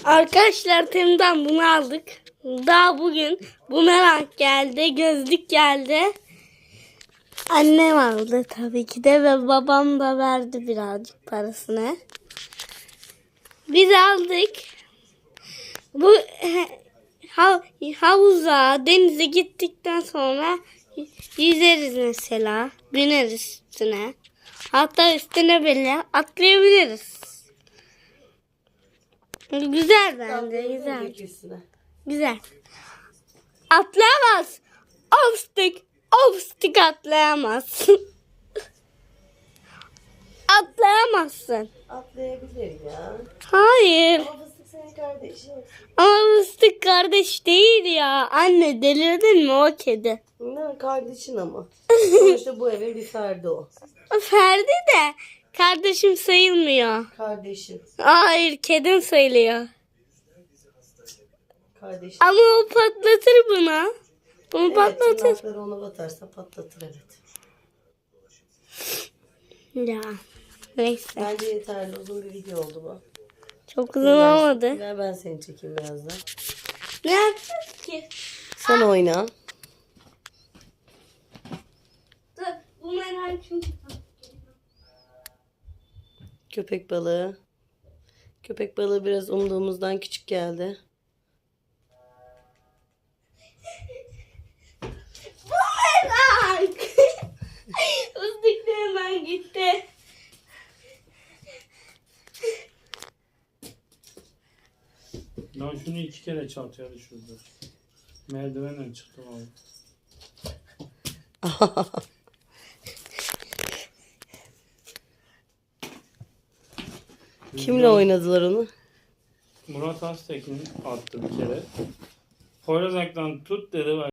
Arkadaşlar Tem'den bunu aldık. Daha bugün bumerang geldi, gözlük geldi. Annem aldı tabii ki de ve babam da verdi birazcık parasını. Biz aldık. Bu havuza, denize gittikten sonra yüzeriz mesela. Bineriz üstüne. Hatta üstüne bile atlayabiliriz. Güzel bence, güzel. Güzel. Atlayamaz. Obstik atlayamaz. Atlayamazsın. Atlayabilir ya. Hayır. Ama fıstık senin kardeşin. Ama fıstık kardeş değil ya. Anne delirdin mi o kedi? Ne kardeşin ama. Sonuçta bu evin bir ferdi o. Ferdi de kardeşim sayılmıyor. Kardeşin. Hayır kedim sayılıyor. Kardeşin. Ama o patlatır bunu. Bunu Evet, patlatır. tırnakları ona batarsa patlatır evet. Ya neyse. Bence yeterli uzun bir video oldu bu. Çok uzun olmadı. Gel ben seni çekeyim birazdan. Ne yapacağız ki? Sen oyna. Dur bu merak çünkü. Köpek balığı. Köpek balığı biraz umduğumuzdan küçük geldi. Bumerang. Fıstık da hemen gitti. Ben şunu 2 kere çantaya düşürdüm. Merdivenden çıktım abi. Kimle oynadılar onu? Murat Aztekin attı bir kere. Poyraz Aktan tut dedi.